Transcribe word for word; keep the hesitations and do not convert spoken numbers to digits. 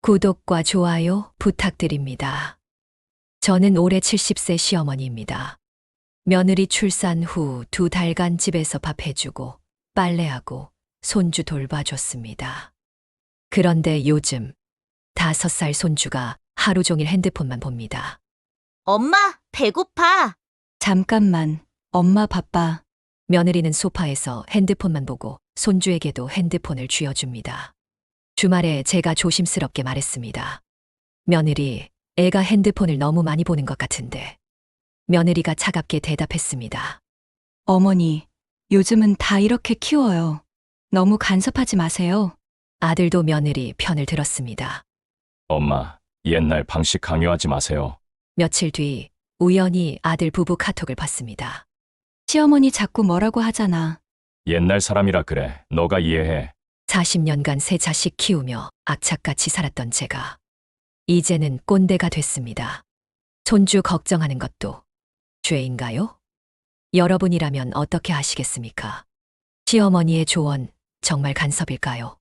구독과 좋아요 부탁드립니다. 저는 올해 칠십 세 시어머니입니다. 며느리 출산 후 두 달간 집에서 밥 해주고 빨래하고 손주 돌봐줬습니다. 그런데 요즘 다섯 살 손주가 하루 종일 핸드폰만 봅니다. 엄마, 배고파. 잠깐만, 엄마 바빠. 며느리는 소파에서 핸드폰만 보고 손주에게도 핸드폰을 쥐어줍니다. 주말에 제가 조심스럽게 말했습니다. 며느리, 애가 핸드폰을 너무 많이 보는 것 같은데. 며느리가 차갑게 대답했습니다. 어머니, 요즘은 다 이렇게 키워요. 너무 간섭하지 마세요. 아들도 며느리 편을 들었습니다. 엄마, 옛날 방식 강요하지 마세요. 며칠 뒤 우연히 아들 부부 카톡을 봤습니다. 시어머니 자꾸 뭐라고 하잖아. 옛날 사람이라 그래. 너가 이해해. 사십 년간 세 자식 키우며 악착같이 살았던 제가 이제는 꼰대가 됐습니다. 손주 걱정하는 것도 죄인가요? 여러분이라면 어떻게 하시겠습니까? 시어머니의 조언 정말 간섭일까요?